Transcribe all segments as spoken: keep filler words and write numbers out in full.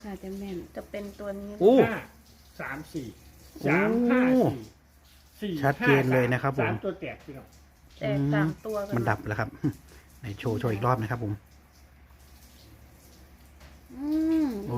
ค่ะจะแม่นจะเป็นตัวนี้โอ้ห้าสามสี่สามห้าสี่สี่ชัดเจนเลยนะครับผมสามตัวแตกพี่น้องแต่สามตัวกัมันดับแล้วครับไหนโชว์โชว์อีกรอบนะครับผมอืมโอ้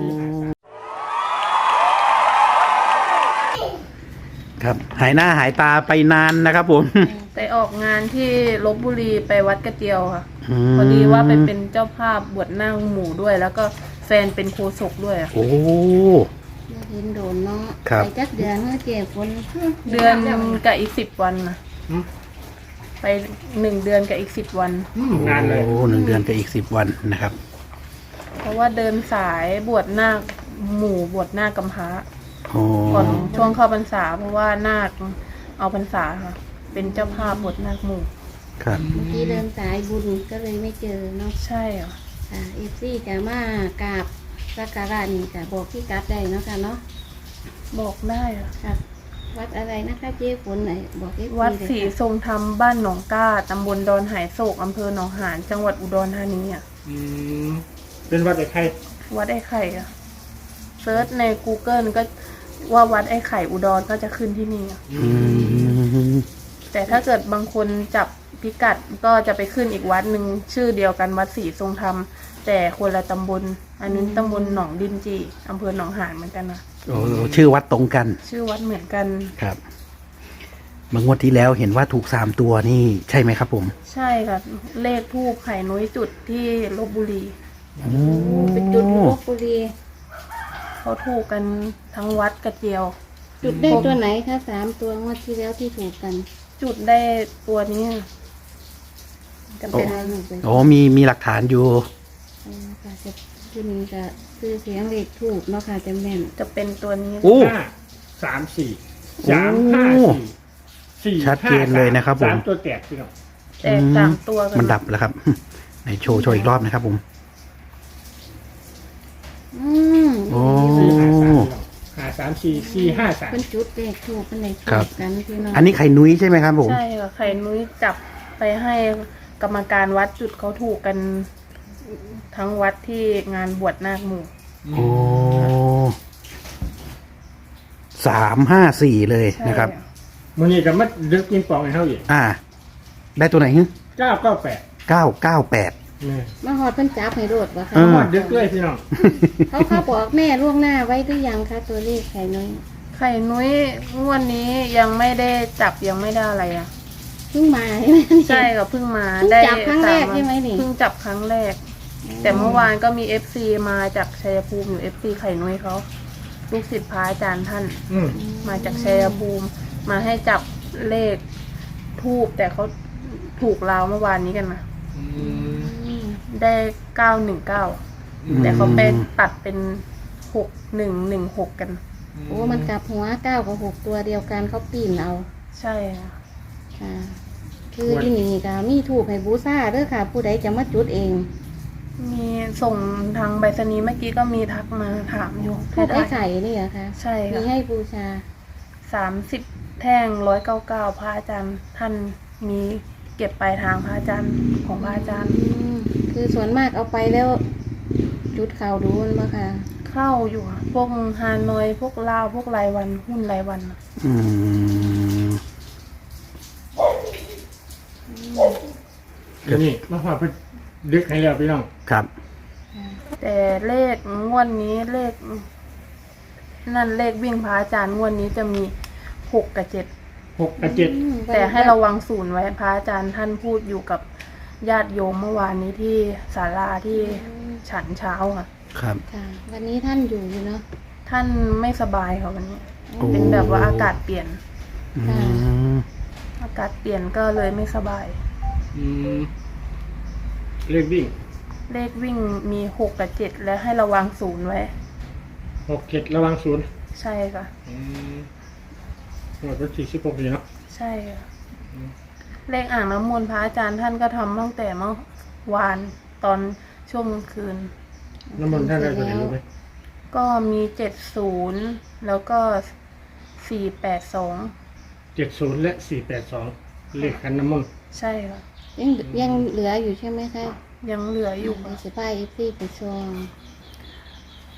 ครับหายหน้าหายตาไปนานนะครับผมไปออกงานที่ลบบุรีไปวัดกระเจียวค่ะมพอดีว่าไปเป็นเจ้าภาพบวชหน้าหมู่ด้วย แล้วก็แฟนเป็นโฆษกด้วยอะโอ้อยากเห็นโดนเนาะครับไปจักเดือนเมื่อเจ็บฝนเดือนกับอีกสิบวันนะอืมไปหนึ่งเดือนกับอีกสิบวันอืมนานเลยโอ้หนึ่งเดือนกับอีกสิบวันนะครับเพราะว่าเดินสายบวชหน้าคหมู่บวชหน้ากำพร้าโอ้ก่อนช่วงเข้าพรรษา เพราะว่านาคเอาพรรษาค่ะ เป็นเจ้าภาพบวชนาคหมู่ครับเมื่อกี้เดินสายบุญก็เลยไม่เจอเนาะใช่ค่ะค่ะเอฟซีจะมากราบสักการะนี่จะบอกพี่กัดได้เนาะค่ะเนาะบอกได้ค่ะค่ะ วัดอะไรนะคะเจ๊ฝนไหนบอกเอฟซีวัดเลยศรีค่ะทรงธรรมบ้านหนองก้าตำบลดอนหายโศกอำเภอหนองหานจังหวัดอุดรธานีอ่ะอืมเป็นวัดไอ้ไข่วัดไอ้ไข่อะเซิร์ชใน Google ก็ว่าวัดไอ้ไข่อุดรก็จะขึ้นที่นี่อะอืมแต่ถ้าเกิดบางคนจับพิกัดก็จะไปขึ้นอีกวัดหนึ่งชื่อเดียวกันวัดศรีทรงธรรม แต่คนละตำบล อันนี้ตำบลหนองดินจีอำเภอหนองหานเหมือนกันนะโอ้ชื่อวัดตรงกันชื่อวัดเหมือนกันครับเมื่องวดที่แล้วเห็นว่าถูกสามตัวนี่ใช่ไหมครับผมใช่ค่ะ เลขทูปไข่นุ้ยจุดที่ลบบุรีโอ้เป็นจุดลบบุรีเขาถูกกันทั้งวัดกระเจียวจุดได้ตัวไหนคะสามตัวงวดที่แล้วที่ถูกกันจุดได้ตัวนี้จะเป็เป็น นอะไรหนูไปโอ้มีมีหลักฐานอยู่อ๋อค่ะจะที่นี้ก็คือเสียงเลขถูกเนาะค่ะจะแม่นจะเป็นตัวนี้โอ้ห้าสามสี่สามห้าสี่สี่ชัดเจนเลยนะครับผมสามตัวแตกพี่น้องแต่สามตัวกัมันดับแล้วครับไหนโชว์โชว์อีกรอบนะครับผมอืมโอ้สี่ห้าสามพี่น้องห้าสามสี่สี่ห้าสามเป็นจุดเลขถูกเป็นเลขถูครับกกันพี่น้องอันนี้ไข่นุ้ยใช่ไหมครับผมใช่ค่ะไข่นุ้ยจับไปให้กรรมการวัดจุดเขาถูกกันทั้งวัดที่งานบวชนาคหมู่โอ้สามห้าสี่เลยใช่นะครับมันนี่ก็มัดดึกกินปองให้เขาอีกอ่า ได้ตัวไหนฮึเก้าเก้าแปดเก้าเก้าแปดนี่มาหอดเพิ่นจับให้รดวะค่ะเออมัดดึกเลยพี่น้องเขาเขาบอกแม่ล่วงหน้าไว้หรือยังคะตัวเลขไข่น้อยไข่นุ้ยงวดนี้ยังไม่ได้จับยังไม่ได้อะไรอ่ะเพิ่งมาใช่ไหมใช่ค่ะเพิ่งมาเพิ่งได้จับครั้งแรกสาวันใช่ไหมนี่เพิ่งจับครั้งแรก แต่เมื่อวานก็มีเอฟซีมาจากชัยภูมิอยู่เอฟซีไข่นุ้ยเขาลูกศิษย์พระอาจารย์ท่านอืมมาจากชัยภูมิ มาให้จับเลขทูบแต่เขาถูกราวเมื่อวานนี้กันนะอืมอืมได้เก้าหนึ่งเก้าแต่เขาไปตัดเป็นหกหนึ่งหนึ่งหกกันโอ้มันกลับหัวเก้ากับหกตัวเดียวกันเขาปีนเอาใช่ค่ะค่ะ คือที่นี่ก็มีถูกให้บูซ่าเด้อค่ะ ผู้ใดจะมาจุดเองมีส่งทางไปรษณีย์เมื่อกี้ก็มีทักมาถามอยู่ทูกไอ้ไข่นี่เหรอคะใช่มีค่ะให้บูชาสามสิบแท่งร้อยเก้าเก้าพระอาจารย์ท่านมีเก็บปลายทางพระอาจารย์ของพระอาจารย์อืมคือส่วนมากเอาไปแล้ว จุดข่าวดูมันมาค่ะเข้าอยู่ค่ะพวกฮานอยพวกลาวพวกรายวันหุ้นรายวันน่ะอืมนี่มาพอดเพิ่นดึกให้แล้วพี่น้องครับแต่เลขงวดนี้เลข นั่นเลขวิ่งพระอาจารย์งวดนี้จะมีหกกับเจ็ดหกกับเจ็ดอืมแต่ให้ระวังศูนย์ไว้พระอาจารย์ท่านพูดอยู่กับญาติโยมเมื่อวานนี้ที่ศาลาที่ฉันเช้าค่ะครับค่ะ วันนี้ท่านอยู่อยู่เนาะท่านไม่สบายค่ะวันนี้โอ้เป็นแบบว่าอากาศเปลี่ยนอืมอากาศเปลี่ยนก็เลยไม่สบายอืมเลขวิ่งเลขวิ่งมีหกกับเจ็ดและให้ระวังศูนย์ไว้หกเจ็ดระวังศูนย์ใช่ค่ะอืมหมดวันที่สิบหกนี่เนาะใช่ค่ะเลขอ่างน้ำมนต์พระอาจารย์ท่านก็ทำตั้งแต่เมื่อวานตอนช่วงกลางคืนน้ำมันต์ท่านได้ตัวไหนรู้ไหมก็มีเจ็ดศูนย์แล้วก็สี่แปดสองเจ็ดศูนย์และสี่แปดสองเลขคันน้ำมันต์ใช่ค่ะยังยังเหลืออยู่ใช่ไหมคะยังเหลืออยู่ไปค่ะสิบายเอฟซีไปชม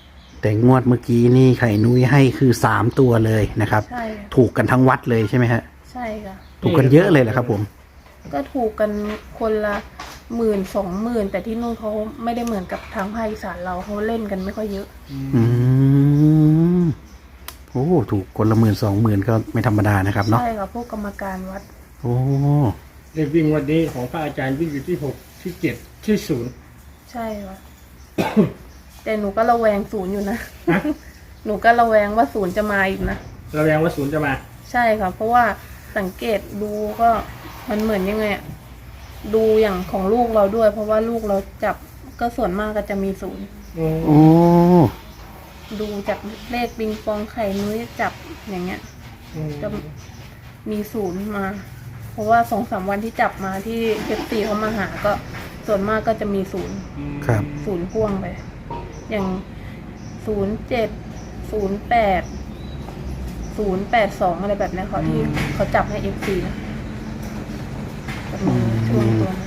แต่งวดเมื่อกี้นี่ไข่นุ้ยให้คือสามตัวเลยนะครับใช่ค่ะถูกกันทั้งวัดเลยใช่ไหมฮะใช่ค่ะถูกกันเยอะเลยเหรอครับผมก็ถูกกันคนละหมื่นสองหมื่นแต่ที่นู่นเขาไม่ได้เหมือนกับทางภาคอีสานเราเขาเล่นกันไม่ค่อยเยอะอืมโอ้ถูกคนละหมื่นสองหมื่นก็ไม่ธรรมดานะครับเนาะใช่ค่ะพวกกรรมการวัดโอ้เลขวิ่งวันนี้ของพระอาจารย์วิ่งอยู่ที่หกที่เจ็ดที่ศูนย์ใช่ค่ะ แต่หนูก็ระแวงศูนย์อยู่นะฮะหนูก็ระแวงว่าศูนย์จะมาอีกนะระแวงว่าศูนย์จะมาใช่ค่ะ เพราะว่าสังเกตดูก็มันเหมือนยังไงอะดูอย่างของลูกเราด้วย เพราะว่าลูกเราจับก็ส่วนมากก็จะมีศูนย์โอ้ดูจากเลขปิงปองไข่นุ้ยจับอย่างเงี้ย จะมีศูนย์มา เพราะว่าสองสามวันที่จับมาที่เอฟซีเขามาหาก็ส่วนมากก็จะมีศูนย์ครับศูนย์พ่วงไป อย่างศูนย์เจ็ดศูนย์แปดศูนย์แปดสองอะไรแบบเนี้ยเขาที่เขาจับให้เอฟซีนะจะมีช่วงตัวนั้น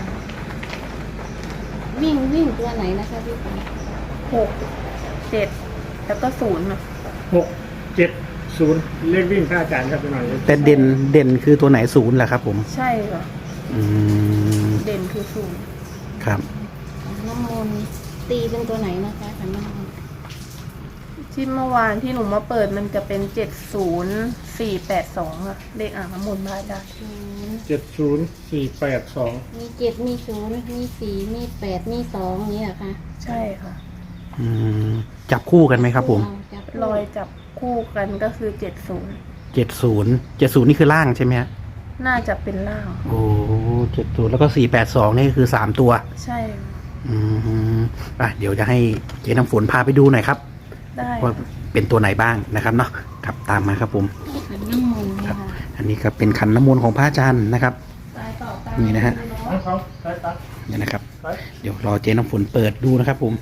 วิ่งวิ่งตัวไหนนะคะพี่ปอหกเจ็ดแล้วก็ศูนย์อ่ะหกเจ็ดศูนย์เลขวิ่งพระอาจารย์ครับพี่น้องแต่เด่นเด่นคือตัวไหนศูนย์แหละครับผมใช่ค่ะอืมเด่นคือศูนย์ครับขันน้ำมนต์ตีเป็นตัวไหนนะคะขันน้ำมนต์ที่เมื่อวานที่หนูมาเปิดมันจะเป็นเจ็ดศูนย์สี่แปดสองอะเลขอ่างน้ำมนต์บ้านได้ศูนย์เจ็ดศูนย์สี่แปดสองมีเจ็ดมีศูนย์มีสี่มีแปดมีสองนี่เหรอคะใช่ค่ะอืมจับคู่กันไหมครับผมจับรอยจับคู่กันก็คือเจ็ดศูนย์เจ็ดศูนย์เจ็ดศูนย์นี่คือล่างใช่ไหมฮะน่าจะเป็นล่างโอ้เจ็ดศูนย์แล้วก็สี่แปดสองนี่คือสามตัวใช่อืมอ่ะเดี๋ยวจะให้เจ๊น้ำฝนพาไปดูหน่อยครับได้ว่าเป็นตัวไหนบ้างนะครับเนาะครับตามมาครับผมขันน้ำมนต์เนี่ยค่ะอันนี้ครับเป็นขันน้ำมนต์ของพระอาจารย์นะครับตายต่อตายนี่นะฮะทั้งเขาใช่ตัดนี่นะครับไปเดี๋ยวรอเจ๊น้ำฝนเปิดดูนะครับผม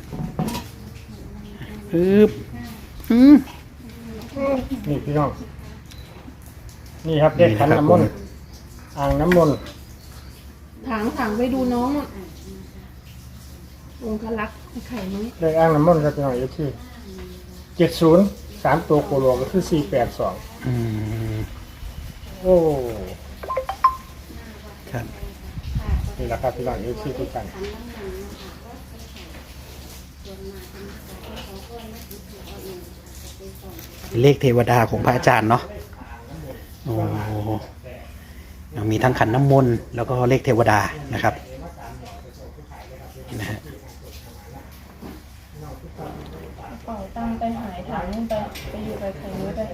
ปึ๊บอืมนี่พี่น้องนี่ครับเลขขันน้ำมนต์อ่างน้ำมนต์ถางถางไปดูน้องอะองคลักษ์ไข่นุ้ยเลขอ่างน้ำมนต์ครับพี่น้องเอฟซีเจ็ดศูนย์สามตัวโคโลก็คือสี่แปดสองอืมโอ้ครับนี่แหละครับพี่น้องเอฟซีทุกท่านเลขเทวดาของพระอาจารย์เนาะโอ้ยังมีทั้งขันน้ำมนต์แล้วก็เลขเทวดานะครับนะฮะเป่าตังไปหายถางนู่นไปไปอยู่ไปไข่นุ้ยไป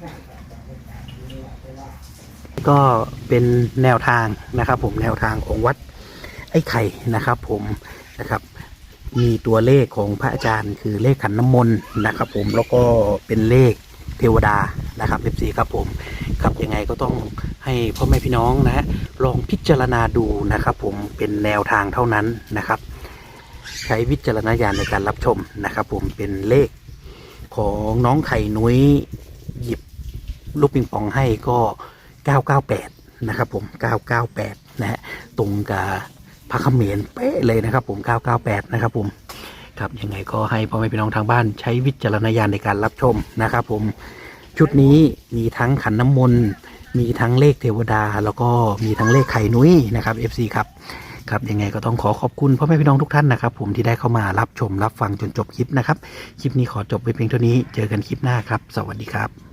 ก็เป็นแนวทางนะครับ ผมแนวทางของวัดไอ้ไข่นะครับ ผมนะครับ มีตัวเลขของพระอาจารย์คือเลขขันน้ำมนต์นะครับ ผมแล้วก็เป็นเลขเทวดานะครับเอฟซีครับผมครับยังไงก็ต้องให้พ่อแม่พี่น้องนะฮะลองพิจารณาดูนะครับ ผมเป็นแนวทางเท่านั้นนะครับ ใช้วิจารณญาณในการรับชมนะครับ ผมเป็นเลขของน้องไข่นุ้ยหยิบลูกปิงปองให้ก็เก้าเก้าแปดนะครับ ผมเก้าเก้าแปดนะฮะตรงกับพระเขมรเป๊ะเลยนะครับ ผมเก้าเก้าแปดนะครับ ผมครับยังไงก็ให้พ่อแม่พี่น้องทางบ้านใช้วิจารณญาณในการรับชมนะครับ ผมชุดนี้มีทั้งขันน้ำมนต์มีทั้งเลขเทวดา แล้วก็มีทั้งเลขไข่นุ้ยนะครับ เอฟ ซี ครับครับยังไงก็ต้องขอขอบคุณพ่อแม่พี่น้องทุกท่านนะครับ ผมที่ได้เข้ามารับชมรับฟังจนจบคลิปนะครับคลิปนี้ขอจบไปเพียงเท่านี้เจอกันคลิปหน้าครับสวัสดีครับ